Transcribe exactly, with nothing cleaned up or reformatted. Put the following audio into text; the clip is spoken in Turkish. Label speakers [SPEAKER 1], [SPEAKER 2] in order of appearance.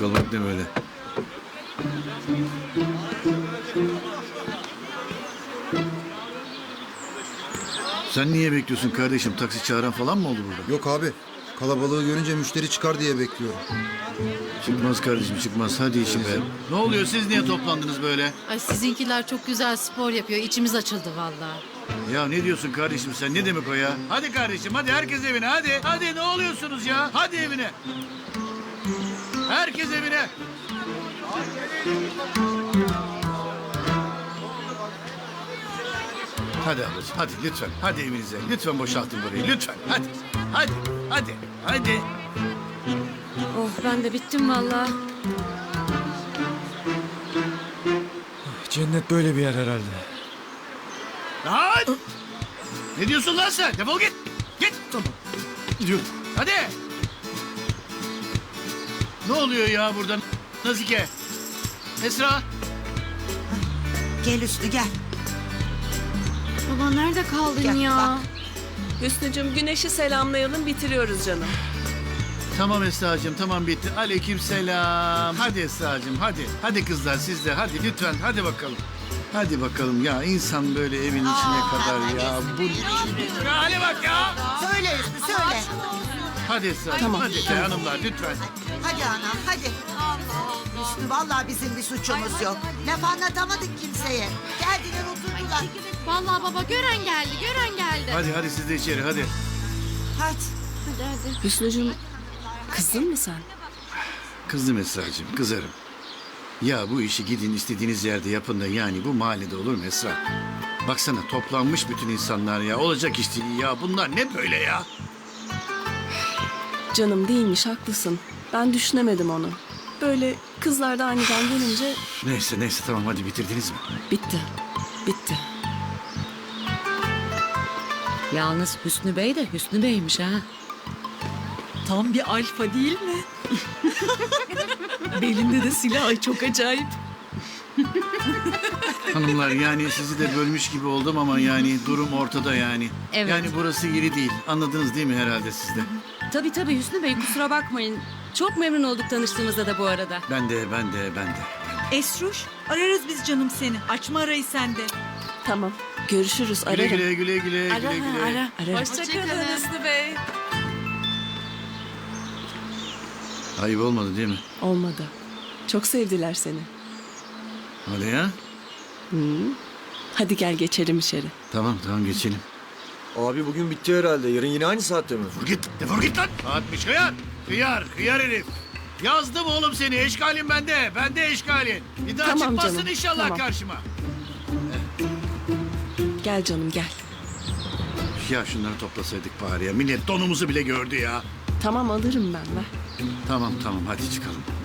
[SPEAKER 1] kalmak ne böyle? Sen niye bekliyorsun kardeşim? Taksi çağıran falan mı oldu burada?
[SPEAKER 2] Yok abi. Kalabalığı görünce müşteri çıkar diye bekliyorum.
[SPEAKER 1] Çıkmaz kardeşim çıkmaz. Hadi işim be. Ne oluyor? Siz niye toplandınız böyle?
[SPEAKER 3] Ay sizinkiler çok güzel spor yapıyor. İçimiz açıldı vallahi.
[SPEAKER 1] Ya ne diyorsun kardeşim sen? Ne demek o ya? Hadi kardeşim hadi herkes evine hadi. Hadi ne oluyorsunuz ya? Hadi evine. Herkes evine. Hadi ablacığım hadi lütfen. Hadi evinize. Lütfen boşaltın burayı. Lütfen. Hadi. Hadi. Hadi. Hadi.
[SPEAKER 3] Oh ben de bittim vallahi.
[SPEAKER 4] Cennet böyle bir yer herhalde.
[SPEAKER 1] Lan! Ne diyorsun lan sen? Defol git. Git. Tamam. Gidiyorum. Hadi. Ne oluyor ya burada? Nazike. Esra.
[SPEAKER 5] Gel Üstü gel.
[SPEAKER 3] Baba nerede kaldın
[SPEAKER 5] Gel,
[SPEAKER 3] ya?
[SPEAKER 5] bak.
[SPEAKER 6] Hüsnü'cüm güneşi selamlayalım bitiriyoruz canım.
[SPEAKER 1] Tamam Esra'cığım tamam bitti. Aleyküm selam. Hadi Esra'cığım hadi. Hadi kızlar siz de hadi lütfen hadi bakalım. Hadi bakalım ya insan böyle evin içine kadar ya. Bu ya, hadi bak ya.
[SPEAKER 5] Söyle Üstü söyle.
[SPEAKER 1] Hadi Esra'cığım
[SPEAKER 6] Tamam,
[SPEAKER 1] hadi
[SPEAKER 6] tamam.
[SPEAKER 1] hanımlar lütfen.
[SPEAKER 5] Hadi anam hadi. Üstü vallahi bizim bir suçumuz yok. Laf anlatamadık kimseye. Geldiler oturdular.
[SPEAKER 3] Vallahi baba gören geldi, gören geldi.
[SPEAKER 1] Hadi hadi siz de içeri hadi.
[SPEAKER 5] Hadi.
[SPEAKER 3] Hadi hadi.
[SPEAKER 6] Hüsnü'cüm kızdın mı sen?
[SPEAKER 1] Kızdım Esra'cığım kızarım. Ya bu işi gidin istediğiniz yerde yapın da yani bu mahallede olur mu Esra? Baksana toplanmış bütün insanlar ya. Olacak iş değil ya. Bunlar ne böyle ya?
[SPEAKER 6] Canım değilmiş haklısın. Ben düşünemedim onu. Böyle kızlar da aniden gelince
[SPEAKER 1] Neyse neyse tamam hadi bitirdiniz mi?
[SPEAKER 6] bitti. Bitti.
[SPEAKER 7] Yalnız Hüsnü Bey de Hüsnü Bey'miş ha.
[SPEAKER 8] Tam bir alfa değil mi? Belinde de silah, ay çok acayip.
[SPEAKER 1] Hanımlar yani sizi de bölmüş gibi oldum ama yani durum ortada yani.
[SPEAKER 7] Evet.
[SPEAKER 1] Yani burası yeri değil. Anladınız değil mi herhalde siz de?
[SPEAKER 7] Tabii tabii Hüsnü Bey kusura bakmayın. Çok memnun olduk tanıştığımızda da bu arada.
[SPEAKER 1] Ben de ben de ben de.
[SPEAKER 8] Esruş, ararız biz canım seni. Açma arayı sen de.
[SPEAKER 6] Tamam. Görüşürüz
[SPEAKER 1] Güle
[SPEAKER 6] ararım.
[SPEAKER 1] güle güle güle
[SPEAKER 6] Ara
[SPEAKER 1] güle güle.
[SPEAKER 6] ara. Ararım.
[SPEAKER 3] Hoşçakalın
[SPEAKER 6] Hüsnü Bey.
[SPEAKER 1] Ayıp olmadı değil mi?
[SPEAKER 6] Olmadı. Çok sevdiler seni.
[SPEAKER 1] Öyle ya.
[SPEAKER 6] Hadi gel geçelim içeri.
[SPEAKER 1] Tamam tamam geçelim.
[SPEAKER 4] Abi bugün bitti herhalde. Yarın yine aynı saatte mi?
[SPEAKER 1] Defol git defol git lan. Atmış hıyar. Hıyar hıyar herif. Yazdım oğlum seni eşkalin bende. Bende eşkalin. Bir daha
[SPEAKER 6] Tamam
[SPEAKER 1] çıkmazsın
[SPEAKER 6] canım,
[SPEAKER 1] inşallah
[SPEAKER 6] tamam.
[SPEAKER 1] karşıma.
[SPEAKER 6] Gel canım gel.
[SPEAKER 1] Ya şunları toplasaydık bari ya. Millet donumuzu bile gördü ya.
[SPEAKER 6] Tamam alırım ben ver.
[SPEAKER 1] Tamam tamam hadi çıkalım.